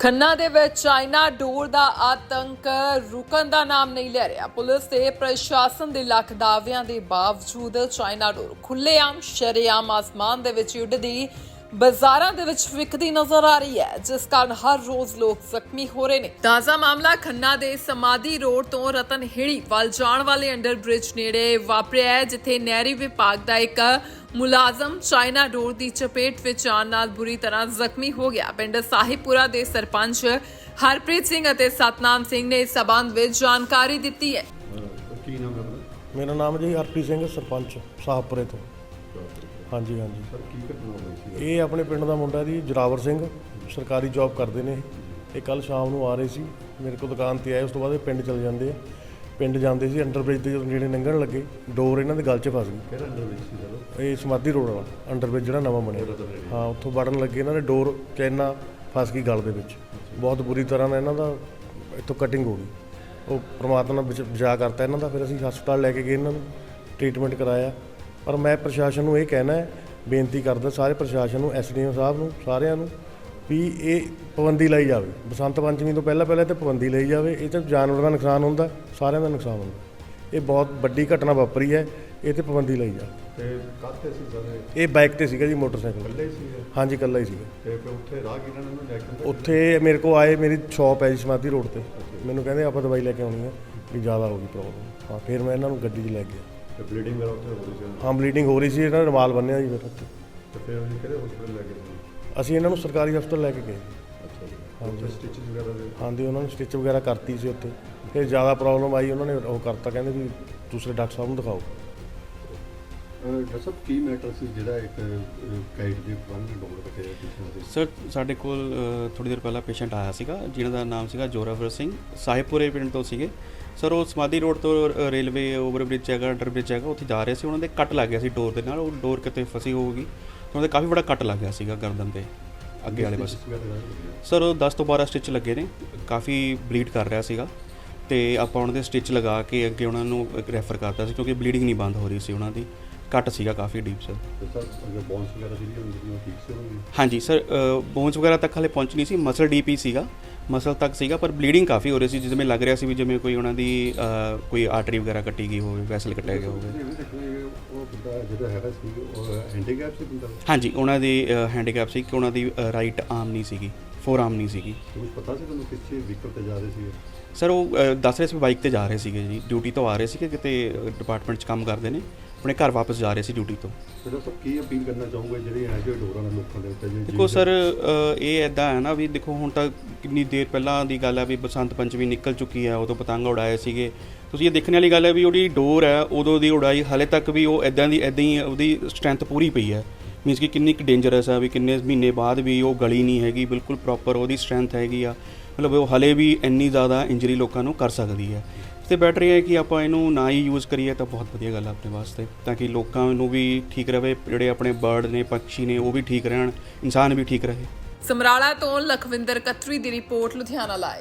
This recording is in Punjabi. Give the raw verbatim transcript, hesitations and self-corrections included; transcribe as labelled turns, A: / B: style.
A: ਖੰਨਾ ਦੇ ਵਿੱਚ ਚਾਈਨਾ ਡੋਰ ਦਾ ਆਤੰਕ ਰੁਕਣ ਦਾ ਨਾਮ ਨਹੀਂ ਲੈ ਰਿਹਾ। ਪੁਲਿਸ ਤੇ ਪ੍ਰਸ਼ਾਸਨ ਦੇ ਲੱਖ ਦਾਅਵਿਆਂ ਦੇ ਬਾਵਜੂਦ ਚਾਈਨਾ ਡੋਰ ਖੁੱਲ੍ਹੇਆਮ ਸ਼ਰੇਆਮ ਆਸਮਾਨ ਦੇ ਵਿੱਚ ਉੱਡਦੀ ਬਾਜ਼ਾਰਾਂ ਦੇ ਵਿੱਚ ਵਿਕਦੀ ਨਜ਼ਰ ਆ ਰਹੀ ਹੈ, ਜਿਸ ਕਾਰਨ ਹਰ ਰੋਜ਼ ਲੋਕ ਜ਼ਖਮੀ ਹੋ ਰਹੇ ਨੇ। ਤਾਜ਼ਾ ਮਾਮਲਾ ਖੰਨਾ ਦੇ ਸਮਾਧੀ ਰੋਡ ਤੋਂ ਰਤਨਹੇੜੀ ਵੱਲ ਜਾਣ ਵਾਲੇ ਅੰਡਰ ਬ੍ਰਿਜ ਨੇੜੇ ਵਾਪਰਿਆ ਹੈ, ਜਿੱਥੇ ਨਹਿਰੀ ਵਿਭਾਗ ਦਾ ਇੱਕ ਮੁਲਾਜ਼ਮ ਚਾਈਨਾ ਡੋਰ ਦੀ ਚਪੇਟ ਵਿੱਚ ਆਉਣ ਨਾਲ ਬੁਰੀ ਤਰ੍ਹਾਂ ਜ਼ਖਮੀ ਹੋ ਗਿਆ। ਪਿੰਡ ਸਾਹਿਬਪੁਰਾ ਦੇ ਸਰਪੰਚ ਹਰਪ੍ਰੀਤ ਸਿੰਘ ਅਤੇ ਸਤਨਾਮ ਸਿੰਘ ਨੇ ਇਸ ਸਬੰਧ ਵਿੱਚ ਜਾਣਕਾਰੀ ਦਿੱਤੀ ਹੈ।
B: ਕੀ ਨਾਮ ਹੈ ਆਪਣਾ?
C: ਮੇਰਾ ਨਾਮ ਜੀ ਹਰਪ੍ਰੀਤ ਸਿੰਘ, ਸਰਪੰਚ ਸਾਹਿਬਪੁਰੇ ਤੋਂ। ਹਾਂਜੀ ਹਾਂਜੀ
B: ਸਰ ਕੀ ਘਟਨਾ ਹੋਈ ਸੀ?
C: ਇਹ ਆਪਣੇ ਪਿੰਡ ਦਾ ਮੁੰਡਾ ਜੀ ਜਰਾਵਰ ਸਿੰਘ, ਸਰਕਾਰੀ ਜੌਬ ਕਰਦੇ ਨੇ। ਇਹ ਕੱਲ ਸ਼ਾਮ ਨੂੰ ਆ ਰਹੇ ਸੀ, ਮੇਰੇ ਕੋਲ ਦੁਕਾਨ ਤੇ ਆਏ। ਉਸ ਤੋਂ ਬਾਅਦ ਇਹ ਪਿੰਡ ਚਲੇ ਜਾਂਦੇ ਆ। ਪਿੰਡ ਜਾਂਦੇ ਸੀ, ਅੰਡਰ ਬ੍ਰਿਜ ਦੇ ਜਦੋਂ ਨੇੜੇ ਲੰਘਣ ਲੱਗੇ, ਡੋਰ ਇਹਨਾਂ ਦੇ ਗਲ 'ਚ ਫਸ ਗਈ।
B: ਕਿਹੜਾ ਅੰਡਰ ਵਿੱਚ ਸੀ ਸਰ?
C: ਇਹ ਸਮਾਧੀ ਰੋਡ ਵਾਲਾ ਅੰਡਰ ਬ੍ਰਿਜ ਜਿਹੜਾ ਨਵਾਂ ਬਣਿਆ, ਹਾਂ, ਉੱਥੋਂ ਵੜਨ ਲੱਗੇ ਇਹਨਾਂ ਦੇ ਡੋਰ ਚੈਨਾ ਫਸ ਗਈ ਗਲ ਦੇ ਵਿੱਚ। ਬਹੁਤ ਬੁਰੀ ਤਰ੍ਹਾਂ ਨਾਲ ਇਹਨਾਂ ਦਾ ਇੱਥੋਂ ਕਟਿੰਗ ਹੋ ਗਈ। ਉਹ ਪ੍ਰਮਾਤਮਾ ਨੇ ਬਚ- ਬਚਾ ਕਰਤਾ ਇਹਨਾਂ ਦਾ। ਫਿਰ ਅਸੀਂ ਹਸਪਤਾਲ ਲੈ ਕੇ ਗਏ, ਇਹਨਾਂ ਨੂੰ ਟ੍ਰੀਟਮੈਂਟ ਕਰਾਇਆ। ਪਰ ਮੈਂ ਪ੍ਰਸ਼ਾਸਨ ਨੂੰ ਇਹ ਕਹਿਣਾ ਹੈ, ਬੇਨਤੀ ਕਰਦਾ ਸਾਰੇ ਪ੍ਰਸ਼ਾਸਨ ਨੂੰ, ਐਸ ਡੀ ਐਮ ਸਾਹਿਬ ਨੂੰ, ਸਾਰਿਆਂ ਨੂੰ, ਵੀ ਇਹ ਪਾਬੰਦੀ ਲਾਈ ਜਾਵੇ। ਬਸੰਤ ਪੰਚਮੀ ਤੋਂ ਪਹਿਲਾਂ ਪਹਿਲਾਂ ਤੇ ਪਾਬੰਦੀ ਲਈ ਜਾਵੇ। ਇਹ ਤਾਂ ਜਾਨਵਰਾਂ ਦਾ ਨੁਕਸਾਨ ਹੁੰਦਾ, ਸਾਰਿਆਂ ਦਾ ਨੁਕਸਾਨ ਹੁੰਦਾ। ਇਹ ਬਹੁਤ ਵੱਡੀ ਘਟਨਾ ਵਾਪਰੀ ਹੈ, ਇਹ ਤੇ ਪਾਬੰਦੀ ਲਈ ਜਾਵੇ।
B: ਤੇ ਕਾਹਤੇ ਸੀ ਸਰ?
C: ਇਹ ਬਾਈਕ ਤੇ ਸੀਗਾ ਜੀ, ਮੋਟਰਸਾਈਕਲ।
B: ਇਕੱਲੇ ਸੀ?
C: ਹਾਂਜੀ, ਇਕੱਲਾ ਹੀ ਸੀਗਾ।
B: ਤੇ ਫਿਰ ਉੱਥੇ ਰਾਹਗੀਰਾਂ ਨੇ ਉਹਨੂੰ ਲੈ ਕੇ
C: ਉੱਥੇ ਮੇਰੇ ਕੋਲ ਆਏ, ਮੇਰੀ ਸ਼ਾਪ ਹੈ ਜੀ ਸਮਾਧੀ ਰੋਡ ਤੇ। ਮੈਨੂੰ ਕਹਿੰਦੇ ਆਪਾਂ ਦਵਾਈ ਲੈ ਕੇ ਆਉਣੀ ਹੈ, ਵੀ ਜ਼ਿਆਦਾ ਹੋ ਗਈ ਪ੍ਰੋਬਲਮ। ਹਾਂ, ਫਿਰ ਮੈਂ ਇਹਨਾਂ ਨੂੰ ਗੱਡੀ 'ਚ ਲੈ ਗਿਆ।
B: ਤੇ ਬਲੀਡਿੰਗ ਵਗੈਰਾ ਉੱਥੇ ਹੋ ਰਹੀ ਸੀ?
C: ਹਾਂ, ਬਲੀਡਿੰਗ ਹੋ ਰਹੀ ਸੀ। ਇਹਨਾਂ ਨੇ ਰੁਮਾਲ ਬੰਨਿਆ ਜੀ ਫਿਰ ਉੱਥੇ।
B: ਤੇ ਫਿਰ ਉਹਨੂੰ ਕਿਹੜੇ ਹਸਪੀਟਲ ਲੈ ਕੇ ਗਏ?
C: ਅਸੀਂ ਇਹਨਾਂ ਨੂੰ ਸਰਕਾਰੀ ਹਸਪਤਾਲ ਲੈ ਕੇ ਗਏ।
B: ਅੱਛਾ ਜੀ।
C: ਹਾਂਜੀ।
B: ਸਟਿਚਸ ਵਗੈਰਾ ਦੇ?
C: ਹਾਂਜੀ, ਉਹਨਾਂ ਨੂੰ ਸਟਿਚ ਵਗੈਰਾ ਕਰਤੀ ਸੀ ਉੱਥੇ। ਫਿਰ ਜ਼ਿਆਦਾ ਪ੍ਰੋਬਲਮ ਆਈ, ਉਹਨਾਂ ਨੇ ਉਹ ਕਰਤਾ, ਕਹਿੰਦੇ ਵੀ ਦੂਸਰੇ ਡਾਕਟਰ ਸਾਹਿਬ ਨੂੰ ਦਿਖਾਓ।
B: ਡਾਕਟਰ ਸਾਹਿਬ ਕੀ ਮੈਟਰ ਸੀ ਜਿਹੜਾ ਇੱਕ ਕਾਈਟ ਦੇ ਬੰਨ ਡੋਰ ਕੱਟਿਆ ਕਿਸੇ ਦੇ?
D: ਸਰ ਸਾਡੇ ਕੋਲ ਥੋੜੀ ਦੇਰ ਪਹਿਲਾਂ ਪੇਸ਼ੈਂਟ ਆਇਆ ਸੀਗਾ, ਜਿਹਨਾਂ ਦਾ ਨਾਮ ਸੀਗਾ ਜੋਰਾਵਰ ਸਿੰਘ, ਸਾਹਿਬਪੁਰੇ ਪਿੰਡ ਤੋਂ ਸੀਗੇ। ਸਰ ਉਹ ਸਮਾਧੀ ਰੋਡ ਤੋਂ ਰੇਲਵੇ ਓਵਰ ਬ੍ਰਿਜ ਹੈਗਾ, ਅੰਡਰ ਬ੍ਰਿਜ ਹੈਗਾ, ਉੱਥੇ ਜਾ ਰਹੇ ਸੀ। ਉਹਨਾਂ ਦੇ ਕੱਟ ਲੱਗ ਗਿਆ ਸੀ ਡੋਰ ਦੇ ਨਾਲ। ਉਹ ਡੋਰ ਕਿਤੇ ਫਸੀ ਹੋਊਗੀ, ਉਹਨਾਂ ਦੇ ਕਾਫੀ ਬੜਾ ਕੱਟ ਲੱਗ ਗਿਆ ਸੀਗਾ ਗਰਦਨ ਤੇ ਅੱਗੇ ਵਾਲੇ ਪਾਸੇ। ਸਰ ਉਹ ਦਸ ਤੋਂ ਬਾਰਾਂ ਸਟਿਚ ਲੱਗੇ ਨੇ, ਕਾਫੀ ਬਲੀਡ ਕਰ ਰਿਹਾ ਸੀਗਾ। ਤੇ ਆਪਾਂ ਉਹਨਾਂ ਦੇ ਸਟਿਚ ਲਗਾ ਕੇ ਅੱਗੇ ਉਹਨਾਂ ਨੂੰ ਰੈਫਰ ਕਰਤਾ ਸੀ, ਕਿਉਂਕਿ ਬਲੀਡਿੰਗ ਨਹੀਂ ਬੰਦ ਹੋ ਰਹੀ ਸੀ। ਉਹਨਾਂ ਦੀ ਕੱਟ ਸੀਗਾ ਕਾਫੀ ਡੀਪ ਸਰ।
B: ਤੇ ਸਰ ਅਗਰ ਬੋਨਸ ਵਗੈਰਾ ਜਿਹੜੀ ਹੁੰਦੀ ਉਹ ਠੀਕ ਸੀ ਹੋਣੀ?
D: ਹਾਂਜੀ ਸਰ, ਬੋਨਸ ਵਗੈਰਾ ਤੱਕ ਹਾਲੇ ਪਹੁੰਚ ਨਹੀਂ ਸੀ, ਮਸਲ ਡੀਪ ਹੀ ਸੀਗਾ, ਮਸਲ ਤੱਕ ਸੀਗਾ, ਪਰ ਬਲੀਡਿੰਗ ਕਾਫੀ ਹੋ ਰਹੀ ਸੀ। ਜਿਵੇਂ ਲੱਗ ਰਿਹਾ ਸੀ ਵੀ ਜਿਵੇਂ ਕੋਈ ਉਹਨਾਂ ਦੀ ਕੋਈ ਆਰਟਰੀ ਵਗੈਰਾ ਕੱਟੀ ਗਈ ਹੋਵੇ, ਵੈਸਲ ਕੱਟਿਆ ਗਿਆ ਹੋਵੇ।
B: ਉਹ ਬੰਦਾ ਜਿਹੜਾ ਹੈਗਾ ਸੀ ਉਹ ਹੈਂਡੀਕੈਪ ਸੀ ਬੰਦਾ?
D: ਹਾਂਜੀ, ਉਹਨਾਂ ਦੀ ਹੈਂਡੀਕੈਪ ਸੀ ਕਿ ਉਹਨਾਂ ਦੀ ਰਾਈਟ ਆਰਮ ਨਹੀਂ ਸੀਗੀ, ਫੋਰ ਆਰਮ ਨਹੀਂ ਸੀਗੀ।
B: ਕੁਝ ਪਤਾ ਸੀ ਤੁਹਾਨੂੰ ਕਿੱਥੇ ਵਹੀਕਲ ਤੇ ਜਾ ਰਹੇ ਸੀ?
D: ਸਰ ਉਹ ਦੱਸ ਰਹੇ ਸੀ ਬਾਈਕ ਤੇ ਜਾ ਰਹੇ ਸੀਗੇ ਜੀ, ਡਿਊਟੀ ਤੋਂ ਆ ਰਹੇ ਸੀਗੇ, ਕਿਤੇ ਡਿਪਾਰਟਮੈਂਟ 'ਚ ਕੰਮ ਕਰਦੇ ਨੇ, ਆਪਣੇ ਘਰ ਵਾਪਸ ਜਾ ਰਹੇ ਸੀ ਡਿਊਟੀ ਤੋਂ।
B: ਫਿਰ ਸਭ ਕੀ ਅਪੀਲ ਕਰਨਾ ਚਾਹੂੰਗਾ ਜਿਹੜੇ ਇਹੋ ਜਿਹੇ ਡੋਰਾਂ ਨਾਲ ਲੋਕਾਂ ਦੇ ਉੱਤੇ?
D: ਦੇਖੋ ਸਰ, ਇਹ ਇੱਦਾਂ ਹੈ ਨਾ ਵੀ ਦੇਖੋ, ਹੁਣ ਤਾਂ ਕਿੰਨੀ ਦੇਰ ਪਹਿਲਾਂ ਦੀ ਗੱਲ ਹੈ ਵੀ ਬਸੰਤ ਪੰਚਮੀ ਨਿਕਲ ਚੁੱਕੀ ਹੈ, ਉਦੋਂ ਪਤੰਗ ਉਡਾਏ ਸੀਗੇ। ਤੁਸੀਂ ਇਹ ਦੇਖਣ ਵਾਲੀ ਗੱਲ ਹੈ ਵੀ ਉਹਦੀ ਡੋਰ ਹੈ ਉਦੋਂ ਦੀ ਉਡਾਈ, ਹਾਲੇ ਤੱਕ ਵੀ ਉਹ ਇੱਦਾਂ ਦੀ ਇੱਦਾਂ ਹੀ ਉਹਦੀ ਸਟਰੈਂਥ ਪੂਰੀ ਪਈ ਹੈ। ਮੀਨਸ ਕਿ ਕਿੰਨੀ ਕੁ ਡੇਂਜਰਸ ਹੈ, ਵੀ ਕਿੰਨੇ ਮਹੀਨੇ ਬਾਅਦ ਵੀ ਉਹ ਗਲੀ ਨਹੀਂ ਹੈਗੀ, ਬਿਲਕੁਲ ਪ੍ਰੋਪਰ ਉਹਦੀ ਸਟਰੈਂਥ ਹੈਗੀ ਆ। ਮਤਲਬ ਉਹ ਹਲੇ ਵੀ ਇੰਨੀ ਜ਼ਿਆਦਾ ਇੰਜਰੀ ਲੋਕਾਂ ਨੂੰ ਕਰ ਸਕਦੀ ਹੈ। ਤੇ ਬੈਟਰ ਇਹ ਹੈ ਕਿ ਆਪਾਂ ਇਹਨੂੰ ਨਾ ਹੀ ਯੂਜ਼ ਕਰੀਏ ਤਾਂ ਬਹੁਤ ਵਧੀਆ ਗੱਲ ਹੈ ਆਪਣੇ ਵਾਸਤੇ, ਤਾਂ ਕਿ ਲੋਕਾਂ ਨੂੰ ਵੀ ਠੀਕ ਰਹੇ, ਜਿਹੜੇ ਆਪਣੇ ਬਰਡ ਨੇ, ਪੰਛੀ ਨੇ, ਉਹ ਵੀ ਠੀਕ ਰਹਿਣ, ਇਨਸਾਨ ਵੀ ਠੀਕ ਰਹੇ।
A: ਸਮਰਾਲਾ ਤੋਂ ਲਖਵਿੰਦਰ ਕਤਰੀ ਦੀ ਰਿਪੋਰਟ, ਲੁਧਿਆਣਾ ਲਾਈਵ।